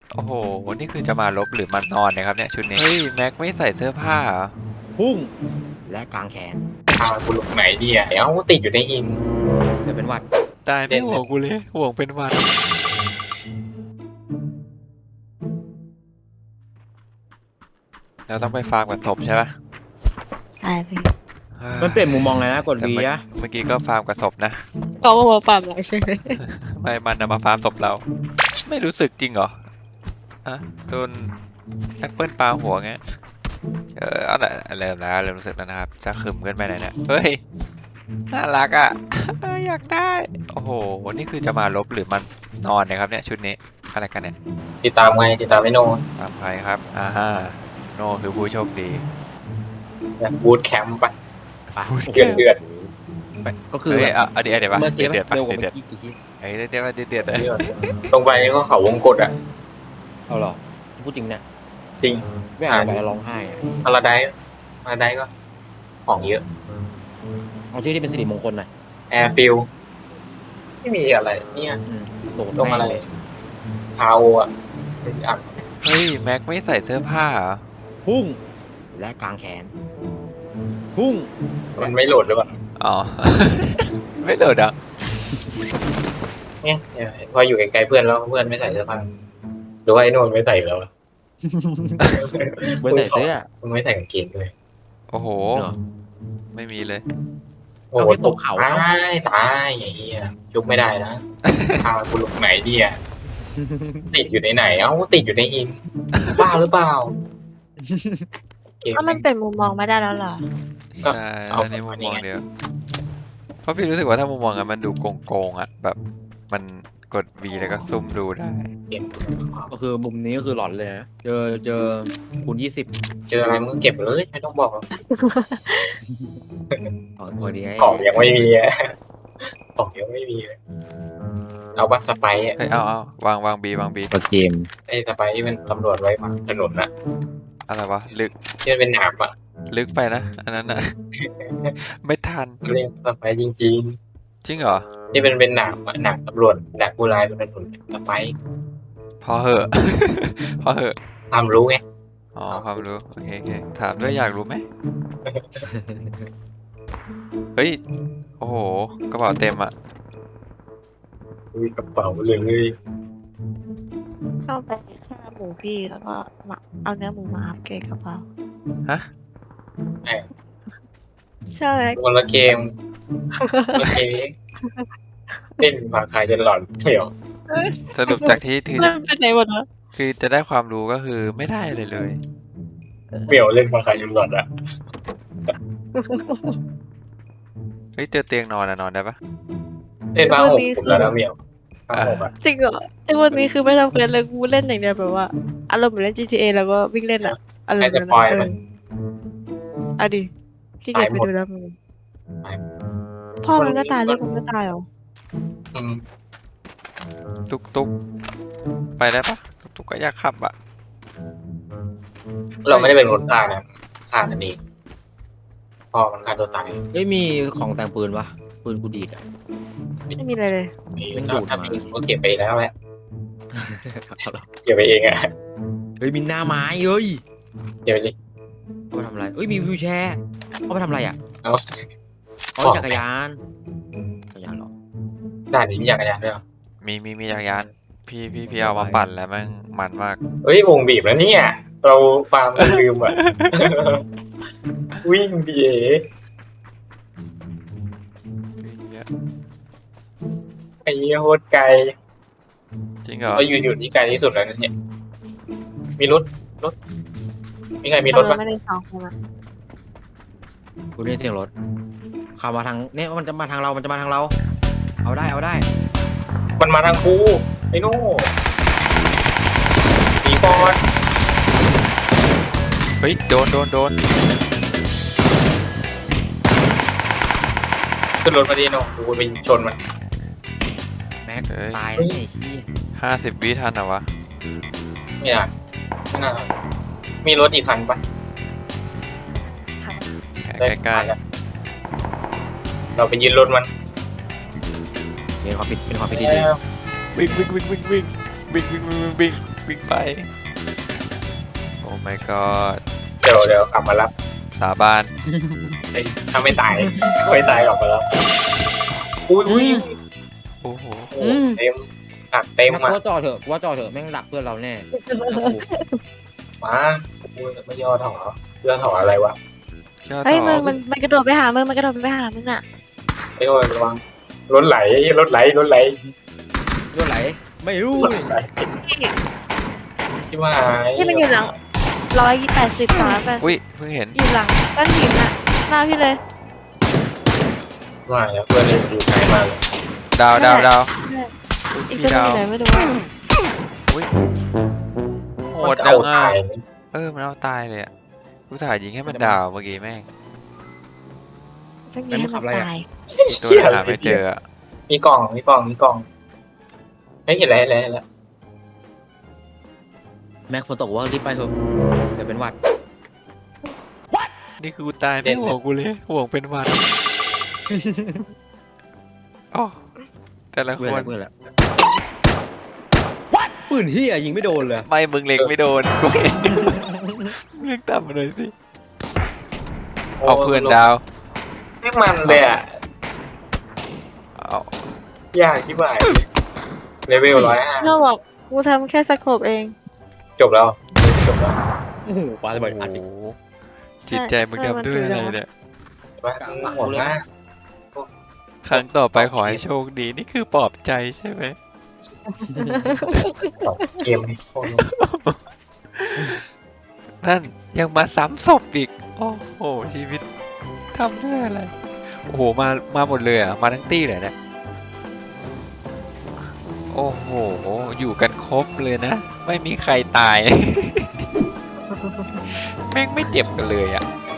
โอ้โหนี่คือจะมาลบหรือมานอนนะครับเนี่ยชุดนี้เฮ้ยแม็กไม่ใส่เสื้อผ้าเหรอพุ่งและกางแขนพากูลงไหนดีอ่ะเอ้าติดอยู่ในหินเดี๋ยวเป็นหวัดตายไม่ห่วงกูเลยห่วงเป็นหวันเราต้องไปฟาร์มกับศพใช่ปะใช่พี่มันเปลี่ยนมุมมองเลยนะกดแต่วีเมื่ออะเมื่อกี้ก็ฟาร์มกับศพนะก็มาปรับเราใช่ไหมไม่มันนะมาฟาร์มศพเรา ไม่รู้สึกจริงเหรออะโดนแอปเปิลปาหัวไงเอาละเริ่มแล้วเริ่มรู้สึกแล้วนะครับจะขึมเกินไปไหนเนี่ยเฮ้ยน่ารักอ่ะ อยากได้โอ้โหนี่คือจะมาลบหรือมันนอนนะครับเนี่ยชุดนี้อะไรกันเนี่ยติดตามไงติดตามไม่โน่ตามใครครับโนคือผู้โชคดีบูทแคมป์ปะพูดเดือดเดือดก็คือเฮ้แบยบเอาเดี๋ยวปะเมื่อกี้เดือดปะเร็วกว่าเดืเมื่ออดกี้กี่ทีเฮ้ยเดือดตรงไปก็เขาวงกตอ่ะเอาหรอพูดจริงเนี่ยจริงไม่อ่านไปแล้วร้องไห้อะพาราไดก็ของเยอะเอาชื่อที่เป็นสิริมงคลหน่อยแอร์ฟิลไม่มีอะไรเนี่ยโดดตรงอะไรแม่เลยพาโออ่ะอ่ะเฮ้ยแม็กไม่ใส่เสื้อผ้าเหรอพุ่งและกางแขน พุ่งมันไม่โหลดหรือเปล่าอ๋อ ไม่โหลดอ่ะเนี่ยพออยู่ไกลๆเพื่อนแล้วเพื่อนไม่ใส่เสื้อผ้าหรือว่าไอ้โน่นไม่ใส่แล้วเบอร์ใส่เสื้อมึงไม่ใส่กางเกงเลยโอ้โหเหรอไม่มีเลยโอ้โหเอาไปตกเขาตายอย่างเงี้ยจุกไม่ได้นะพากูลงไหนดีอ่ะติดอยู่ในไหนเอ้าติดอยู่ในหินบ้าหรือเปล่าเกมก็มันเป็นมุมมองไม่ได้แล้วเหรอใช่เอาอันนี้มุมมองอันนี้ไงเดียว เพราะพี่รู้สึกว่าถ้ามุมมองอะมันดูโกงๆอ่ะ แบบมันกด V แล้วก็ซุ่มดูได้เกมก็คือมุมนี้ก็คือหลอนเลยนะเจอคูณ20 เจออะไรมึงเก็บเลยไม่ต้องบอกหรอกตัวนี้ของยังไม่มีอะของยังไม่มีเลยเอาบัสสไปร์อะเฮ้ยเอาวาง B วาง B ตัวเกมไอ้สไปร์ที่มันตำรวจไว้ฝั่งถนนน่ะอะไรวะ ลึกที่มันเป็นหนามอ่ะลึกไปนะ อันนั้นอ่ะ ไม่ทันเรียกสไปร์จริงจริงเหรอๆที่มันเป็นหนามอะหนามตำรวจดักผู้ร้ายบนถนนสไปร์พอเหอะ พอเหอะความรู้ไงอ๋อความรู้โอเคถามด้วยอยากรู้ไหม เฮ้ย โอ้โห กระเป๋าเต็มอ่ะมีกระเป๋าเลยเข้าไปฆ่าหมูพี่แล้วก็มาเอาเนื้อหมูมาอัพเกรดกระเป๋าฮะใช่คนละเกมคนละเกมเล่นผ่าคายจนหลอนเดี๋ยวสรุปจากที่เล่นเป็นไหนหมดวะคือจะได้ความรู้ก็คือไม่ได้เลยเลยเบี่ยวเล่นผ่าคายจนหลอนอ่ะเฮ้ยเจอเตียงนอนอะนอนได้ปะเล่นผ้าห่มผมแล้วนะเบี่ยวผ้าห่มอ่ะจริงเหรอไอ้วันนี้คือไม่ทำเควสเลยกูเล่นอย่างเดียวแบบว่าอารมณ์เหมือนเล่น GTA แล้วก็วิ่งเล่นอะอารมณ์ให้แบบสปอยล์ไหมอ่ะดิขี้เกียจไปดูแล้วมึงพ่อมันก็ตายลูกมันก็ตายเหรออืมตุกไปได้ปะตุกก็อยากขับอะเราไม่ได้เป็นคนฆ่านะฆ่ากันเองพ่อมันฆ่าตัวตายเฮ้ยมีของแต่งปืนปะปืนกูดีดอะไม่มีอะไรเลยมันดูแล้วดถ้ามามีก็เก็บไปแล้วแหละเอาเหรอเก็บไปเองอ่ะเฮ้ยมีหน้าไม้เฮ้ยเก็บไปดิเอาไปทำอะไรเอ้ยมีวิวแชร์เอาไปทำอะไรอ่ะเอาเอาจักรยานเหรอด่านนี้มีจักรยานด้วยเหรอมีจักรยานพี่เอามาปั่นแล้วแม่งมันมากเฮ้ยวงบีบแล้วเนี่ย เราฟาร์มเราลืมอ่ะ วิ่งดีเอไอ้เหี้ยโคตรไกลจริงเหรอเราอยู่ที่ไกลที่สุดแล้วนะเนี่ยมีรถมีใครมีรถปะไม่ได้สองคนอะกูได้ยินเสียงรถขับมาทางเนี่ยมันจะมาทางเราเอาได้มันมาทางกูไอ้โน่หนีก่อนเฮ้ยโดนขึ้นรถมาดีโน่กูไปชนมันแม็กเฮ้ยตายแล้วไอ้ที่ 50 วิทันเหรอวะไม่น่ามีรถอีกคันปะใกล้เราไปยืนรถมันเป็นความผิดที่ดีๆวิ่งวิ่งไป โอ้ my god เดี๋ยวกลับมารับสาบานเอ้ยถ้าไม่ตายไม่ตายกลับมารับอุ้ยโอ้โหโอ้เต็มหักเต็มกูอ่ะว่าจอเถอะกูว่าจอเถอะแม่งดักเพื่อนเราแน่มากูไม่ย่อถอย่อถออะไรวะยอดเฮ้ยต่อมันกระโดดไปหามึงมันกระโดดไปหามึงอ่ะไม่โดนระวังรถไหลรถไหลรถไหลไม่รู้รถไหลที่ว่าที่มันอยู่หลัง180 อุ้ยเพิ่งเห็นอยู่หลังก้อนหินอ่ะหน้าพี่เลยว่าแล้วเพื่อนอยู่ไกลมากเลยดาวดาวดาวอีกพี่ตัวหนึงดาวอยู่ไหนไม่รู้อะอุ้ยโหมัดนจะจัเอางอ่ะตายมันเอาตายเลยอ่ะกูถ่ายยิงให้มันดาวเมื่อกี้แม่งต้องยิงให้มันตายตัวหาไม่เจออะมีกล่องไม่เห็นอะไรแล้วแม็กฝนตกว่ารีบไปเถอะเดี๋ยวเป็นหวัดนี่คือกูตายไม่ห่วงกูเลยห่วงเป็นหวันอ๋อแต่ละคเพื่อนนแล้วเพื่อนแล้วปืนเฮียยิงไม่โดนเลยไม่มึงเล็งไม่โดนกูเห็นเลือกต่ำมาหน่อยสิเอาเพื่อนดาวไม่มันเลยอ่ะเอายากที่บ่ายเลเวล105 ก็บอกกูทำแค่สโคปเองจบแล้วโอ้โหปาระเบิดอัดอีกโอ้โหจิตใจมึงทำด้วยอะไรเนี่ยหมดมากครั้งต่อไปขอให้โชคดีนี่คือปลอบใจใช่ไหมเกมนี้โคตรนั่นยังมาซ้ำศพอีก โอ้โห ชีวิตทำด้วยอะไร โอ้โห มาหมดเลยอ่ะ มาทั้งตี้เลยเนี่ย โอ้โห อยู่กันครบเลยนะ ไม่มีใครตาย แม่งไม่เจ็บกันเลยอ่ะ